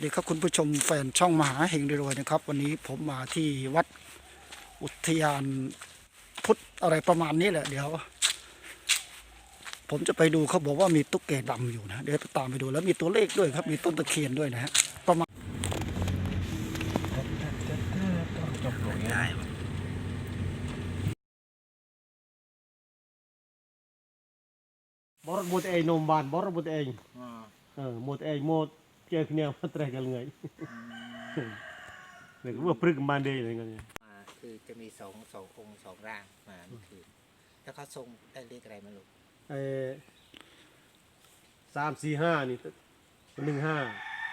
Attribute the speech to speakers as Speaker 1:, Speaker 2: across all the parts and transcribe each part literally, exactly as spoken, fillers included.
Speaker 1: ดีครับคุณผู้ชมแฟนช่องมหาเฮงรวยนะครับวันนี้ผมมาที่วัดอุทยานพุทธอะไรประมาณนี้แหละเดี๋ยวผมจะไปดูเขาบอกว่ามีตุ๊กแกดำอยู่นะเดี๋ยวตามไปดูแล้วมีตัวเลขด้วยครับมีต้นตะเคียนด้วยนะฮะประมาณ
Speaker 2: บอร์บุตรเองนมบานบอร์บุตรเองเออหมดเองหมดเจ้าเนี่ยมาเตะกันไงเนี่ยก็ว่าพฤกษ์มันเดย์อะไรเงี้ย
Speaker 3: คือจะมีสองสององค์สองร่างมาเมื่อคืนแล้วเขาทรงได้เลขอะไรมาลูก
Speaker 2: ไอ้สามสี่ห้านี่หนึ่งห้า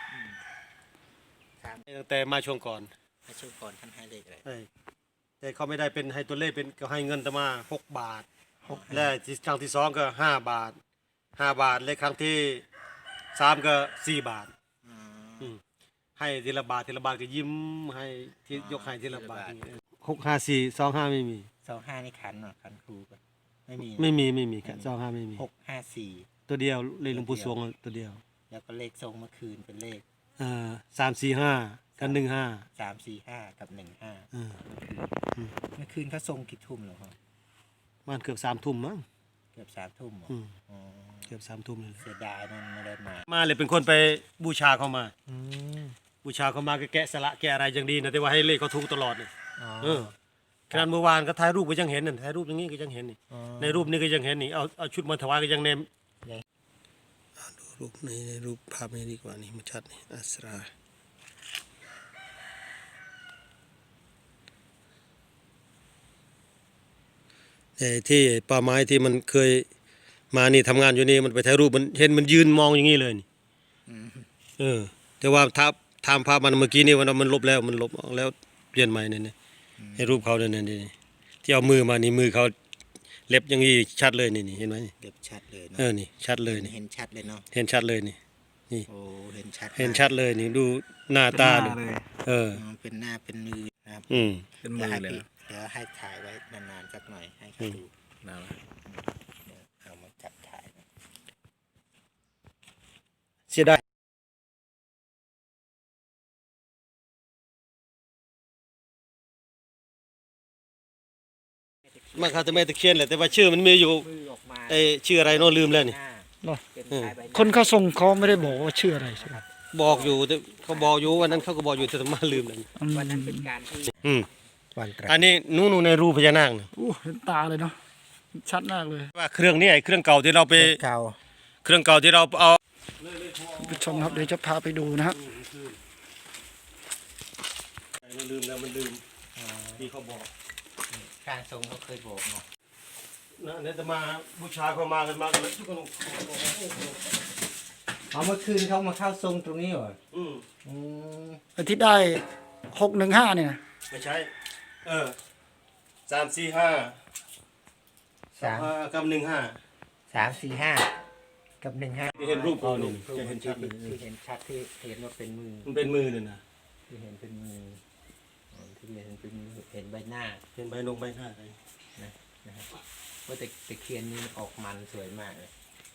Speaker 2: ตั้งแต่มาช่วงก่อน
Speaker 3: ให้ช่วงก่อนท่านให้เลขอะไร
Speaker 2: แต่เขาไม่ได้เป็นให้ตัวเลขเป็นก็ให้เงินแต่มาหกบาทและครั้งที่สองก็ห้าบาทห้าบาทและครั้งที่สามก็สี่บาทให้ทีละบาททีละบาทก็ยิ้มให้ที่ยกให้ทีละบาทหกห้าสี่สองห้าไม่มี
Speaker 3: สองห้านี่ขันเนาะขันครูก่อนไม่มี
Speaker 2: ไม่มีไม่มีครับสองห้าไม่มี
Speaker 3: หกห้าสี่
Speaker 2: ตัวเดียวเลขหลวงปู่สวงตัวเดียว
Speaker 3: แล้วก็เลขทรงเมื่อคืนเป็นเลข
Speaker 2: อ่าสามสี่ห้ากับหนึ่งห้า
Speaker 3: สามสี่ห้ากับหนึ่งห้าเมื่อคืนเขาทรงกี่ทุ่มหรอครับ
Speaker 2: มันเกือบสามทุ่มมั้ง
Speaker 3: เกือบสามทุ่ม
Speaker 2: เกือบสามทุ่มเลย
Speaker 3: เสียดายนั่นไม่ได้มา
Speaker 2: มาเลยเป็นคนไปบูชาเขามาบูชาเขามาก็แกะสละแกะอะไรอย่างดีนะแต่ว่าให้เลขเขาถูกตลอดเลยเออขนาดเมื่อวานก็ถ่ายรูปก็ยังเห็นน่ะถ่ายรูปอย่างนี้ก็ยังเห็นนี่ในรูปนี้ก็ยังเห็นนี่เอาเอาชุดมาถวายก็ยังเนมดูรูปในรูปภาพนี้ดีกว่านี่มันชัดนี่อัสราไอ้ที่ป่าไม้ที่มันเคยมานี่ทำงานอยู่นี่มันไปถ่ายรูปมันเห็นมันยืนมองอย่างนี้เลยนี่เออแต่ว่าถ้าทำภาพมันเมื่อกี้นี่มันมันลบแล้วมันลบออกแล้วเปลี่ยนใหม่เนี่ยให้รูปเขาเนี่ยนี่ที่เอามือมานี่มือเขาเล็บอย่างนี้ชัดเลยนี่นี่เห็นไหม
Speaker 3: เล็บชัดเลย
Speaker 2: เออนี่ชัดเลยนี่
Speaker 3: เห็นชัดเลยเนาะ
Speaker 2: เห็นชัดเลยนี่นี่
Speaker 3: โอ้เห็นชัด
Speaker 2: เห็นชัดเลยนี่ดูหน้าตาดูเออ
Speaker 3: เป็นหน้าเป็นมือนะครับ
Speaker 2: อืม
Speaker 3: เป็นมือเลยเดี๋ยวให้ถ่ายไว้นานๆสักหน่อยให้เขาดูนะเดี๋ยวเอามาจับถ่าย
Speaker 2: เสียดายมาคาตะเมตะเคียนแหละแต่ว่าชื่อมันมีอยู่ไอชื่ออะไรโน้ลืมแล้วนี่
Speaker 1: คนเขาส่งเขาไม่ได้บอกว่าชื่ออะไรใช่ไหม
Speaker 2: บอกอยู่แต่เขาบอกอยู่วันนั้นเขาก็บอกอยู่แต่มาลืมเลย
Speaker 3: วันนั้นเป็นการที่
Speaker 2: อืมอันนี้นู่นในรูปพญานาคนะ
Speaker 1: โอ้เห็นตาเลยเนาะชัดมากเลย
Speaker 2: ว่าเครื่องนี้ไอเครื่องเก่าที่เราไป
Speaker 3: เก่า
Speaker 2: เครื่องเก่าที่เราเอา
Speaker 1: ผู้ชมครับเดี๋ยวจะพาไปดูนะฮะ
Speaker 2: มันลืมแล้วมันลืมที่เขาบอก
Speaker 3: การทรงเขาเคยบอกเนาะ
Speaker 2: นะเนี่ยจะมาบูชาเขามากันมากันแล้วทุกคน
Speaker 3: เอาเมื่อคืนเขามาเข้าทรงตรงนี้เหรอ
Speaker 2: อืม
Speaker 3: อืม
Speaker 1: อาทิตย์ได้หกหนึ่งห้าเนี่ย
Speaker 2: ไม่ใช่เออสามสี่ห้าสามกับหนึ่งห้า
Speaker 3: สามสี่ห้ากับหนึ่งห้า
Speaker 2: ที่เห็นรูปเขานี่จะเห็นชัด
Speaker 3: ที่เห็นชัดที่เห็นว่าเป็นมือ
Speaker 2: มันเป็นมือเนี่ยนะ
Speaker 3: ที่เห็นเป็นมือที่เห็นเป็นมือเห็นใบหน้า
Speaker 2: เห็นใบนงใบหน้าอะไร
Speaker 3: นะนะครับว่าแต่ตะเคียนนี้ออกมันสวยมากเลย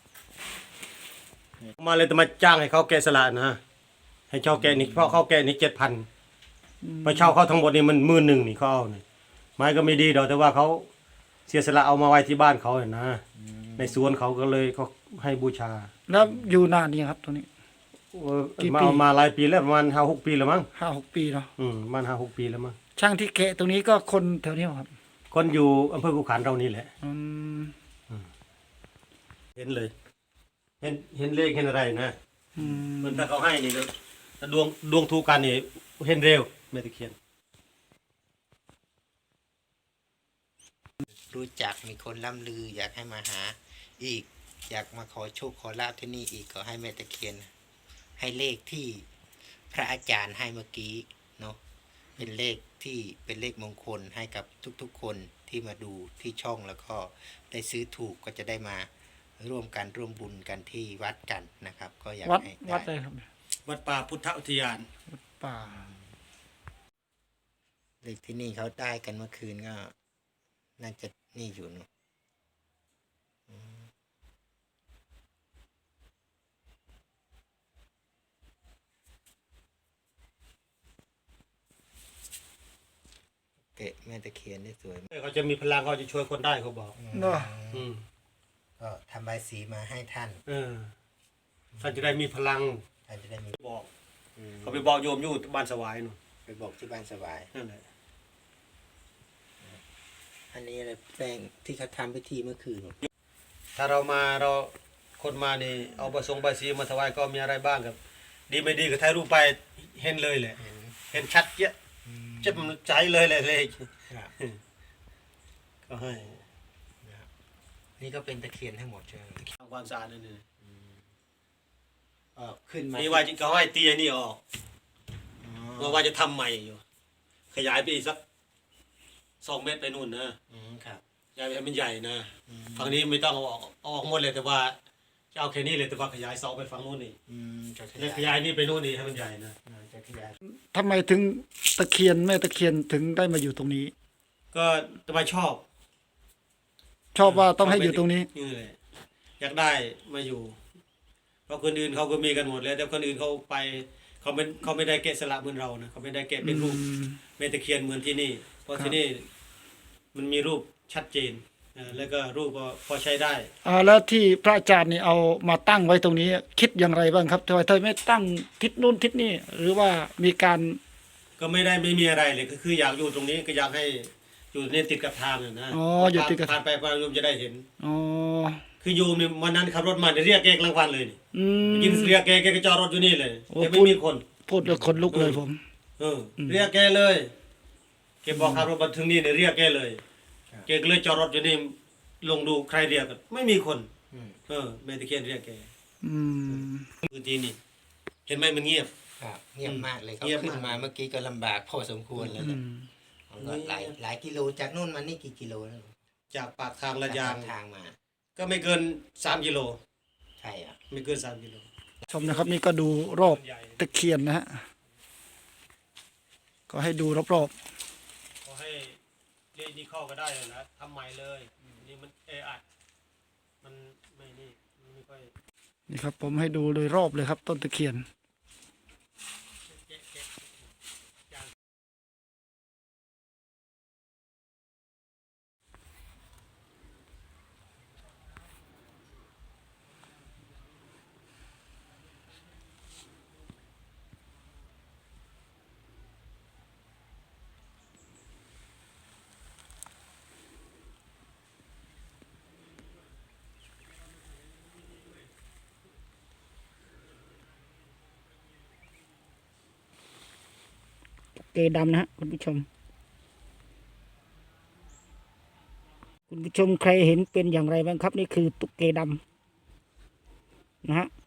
Speaker 2: มาเลยจะมาจ้างให้เขาแกะสลักนะให้เช่าแกะนี่เพราะเขาแกะนี่เจ็ดพันไปเช่าเขาทั้งหมดนี่มันหมื่นหนึ่งนี่เขาเอาเนี่ยไม้ก็ไม่ดีดอกแต่ว่าเขาเสียสละเอามาไว้ที่บ้านเขาเนี่ยนะในสวนเขาก็เลยเขาให้บูชา
Speaker 1: แล้วอยู่นานนี่ครับตรงนี้
Speaker 2: มามาหลายปีแล้วประมาณห้าหกปีแล้วมั้ง
Speaker 1: ห้าหกปีเนาะ
Speaker 2: อืมประมาณห้าหกปีแล้วมั้ง
Speaker 1: ช่างที่แกะตรงนี้ก็คนแถวนี้ครับ
Speaker 2: คนอยู่อำเภอกุขันเรานี่แหละ
Speaker 1: อืม
Speaker 2: เห็นเลยเห็นเห็นเลขเห็นอะไรนะเหมือนถ้าเขาให้นี่ถ้าดวงดวงถูกกันนี่เห็นเร็วไม่ตะเคียน
Speaker 3: รู้จักมีคนล่ำลืออยากให้มาหาอีกอยากมาขอโชคขอลาภที่นี่อีกก็ให้แม่ตะเคียนให้เลขที่พระอาจารย์ให้เมื่อกี้เนาะเป็นเลขที่เป็นเลขมงคลให้กับทุกๆคนที่มาดูที่ช่องแล้วก็ได้ซื้อถูกก็จะได้มาร่วมกันร่วมบุญกันที่วัดกันนะครับก็อยาก
Speaker 1: ให้
Speaker 3: วั
Speaker 1: ดอะไรครับ
Speaker 2: วัดป่าพุทธอุทยาน
Speaker 1: วัดป่า
Speaker 3: เลขที่นี่เขาได้กันเมื่อคืนก็น่าจะนี่อยู่เนาะะแม่ตะเคียนได้สวยมาก
Speaker 2: เขาจะมีพลังเขาจะช่วยคนได้เขาบอก
Speaker 1: เนาะ
Speaker 2: อืม
Speaker 3: ก็ทำใบายสีมาให้ท่าน
Speaker 2: เออท่านจะได้มีพลัง
Speaker 3: ท่านจะได้มี
Speaker 2: บอก
Speaker 3: อืม
Speaker 2: เขาไปบอกโยมอยู่บ้านสวายนู่น
Speaker 3: ไปบอกที่บ้านสบาย
Speaker 2: นั่นแหละ
Speaker 3: อันนี้อะไรแป้งที่เขาทำพิธีเมื่อคืน
Speaker 2: ถ้าเรามาเราคนมานี่เอาประสงค์ใบสีมาถวายก็มีอะไรบ้างครับ ดีไม่ดีก็ถ่ายรูปไปเห็นเลยแหละ
Speaker 3: เห็น
Speaker 2: เห็นชัดเยอะจะมันใจเลยแหละเลย
Speaker 3: ครับ
Speaker 2: ก็ให้
Speaker 3: นะครับนี่ก็เป็นตะเคียนทั้งหมดใช่ไหม
Speaker 2: ทำความสะอาดนั่นเอง
Speaker 3: เออขึ้นมา
Speaker 2: นี่ว่าจะเขาให้ตีไอ้นี่ออก
Speaker 3: อ๋
Speaker 2: ว่า
Speaker 3: อ
Speaker 2: ว่าจะทำใหม่อยู่ ขยายไปอีกสักสองเมตรไปนู่นนะ
Speaker 3: อืมครับ
Speaker 2: ขยายไปให้มันใหญ่นะ
Speaker 3: อืม
Speaker 2: ฝั่งนี้ไม่ต้องเอาออกเอาออกหมดเลยแต่ว่าจะเอาแค่นี้เลยแต่ว่าขยายเสาไปฝั่งนู้นนี่
Speaker 3: อืมจะข
Speaker 2: แล้ว
Speaker 3: ยาย
Speaker 2: ขยายนี่ไปนู่นนี่ให้มันใหญ่นะ
Speaker 3: อ่าจะขยาย
Speaker 1: ทำไมถึงตะเคียนแม่ตะเคียนถึงได้มาอยู่ตรงนี้
Speaker 2: ก็ทำไมชอบ
Speaker 1: ชอบว่าต้องให้อยู่ตรงนี้
Speaker 2: นี่แหละอยากได้มาอยู่ เพราะคนอื่นเขาก็มีกันหมดแล้วแต่คนอื่นเขาไปเขาไม่เขาไม่ได้แกะสลักเหมือนเรานะเขาไม่ได้แกะเป็นรูป
Speaker 1: อืม
Speaker 2: เมตะเคียนเหมือนที่นี่ เพราะ
Speaker 1: ครับ
Speaker 2: ที่นี่มันมีรูปชัดเจนเออแล้วก็รูปก็พอใช้ได้
Speaker 1: อ่าแล้วที่พระอาจารย์นี่เอามาตั้งไว้ตรงนี้ คิดอย่างไรบ้างครับทำไมเธอไม่ตั้งทิศนู้นทิศนี้หรือว่ามีการ
Speaker 2: ก็ไม่ได้ไม่มีอะไรเลยก็คืออยากอยู่ตรงนี้ก็อยากให้อยู่ในติดกับทางน่ะนะ
Speaker 1: อ๋ออยู่ติดกับ
Speaker 2: ผ่านไปผ่านโยมจะได้เห็น
Speaker 1: อ๋อ
Speaker 2: คือโยมเนี่ยวันนั้นขับรถมาเนี่ยเรียกแกกลางวันเลยนี่
Speaker 1: อืม
Speaker 2: ยินเรียกแกแกก็จอดรถอยู่นี่เลย
Speaker 1: โอ้
Speaker 2: แต่ไม่
Speaker 1: พูด
Speaker 2: มีคน
Speaker 1: พูดแล้วขนลุกเลยผม
Speaker 2: เออเรียกแกเลยแกบอกขับรถมาถึงนี่เนี่ยเรียกแกเลยแกก็เลยจอดรถอยู่นี่ลงดูใครเรียกกันไม่มีคน
Speaker 3: อืม
Speaker 2: เออแม่ตะเคียนเรียกแก
Speaker 1: อืม
Speaker 2: พื้นที่นี่เห็นไหมมันเงียบ
Speaker 3: ครับเงียบมากเลยเขา
Speaker 2: เงียบ
Speaker 3: ขึ้น
Speaker 2: มาก
Speaker 3: มาเมื่อกี้ก็ลำบากพอสมควรแล้ว
Speaker 1: อื
Speaker 3: เนี่ย
Speaker 1: ม
Speaker 3: มันก็หลายหลายกิโลจากนู่นมานี่กี่กิโลแล้ว
Speaker 2: จากปากทางละยาง
Speaker 3: จกทางมา
Speaker 2: ก็ไม่เกินสามกิโล
Speaker 3: ใช่อ่ะ
Speaker 2: ไม่เกินสามกิโล
Speaker 1: ชมนะครับนี่ก็ดูรอบตะเคียนนะฮะก็ให้ดูรอบ
Speaker 2: ขอให้เล่นนี่เข้าก็ได้เลยนะทำใหม่เลยนี่มันเออัดมันไม่นี่มันไม่ค่อย
Speaker 1: ๆนี่ครับ ผมให้ดูโดยรอบเลยครับ ต้นตะเคียน
Speaker 2: เจ๊ะเจ๊ะจาง
Speaker 1: เกดำนะฮะคุณผู้ชม คุณผู้ชมใครเห็นเป็นอย่างไรบ้างครับ นี่คือตุ๊กเกดำนะฮะ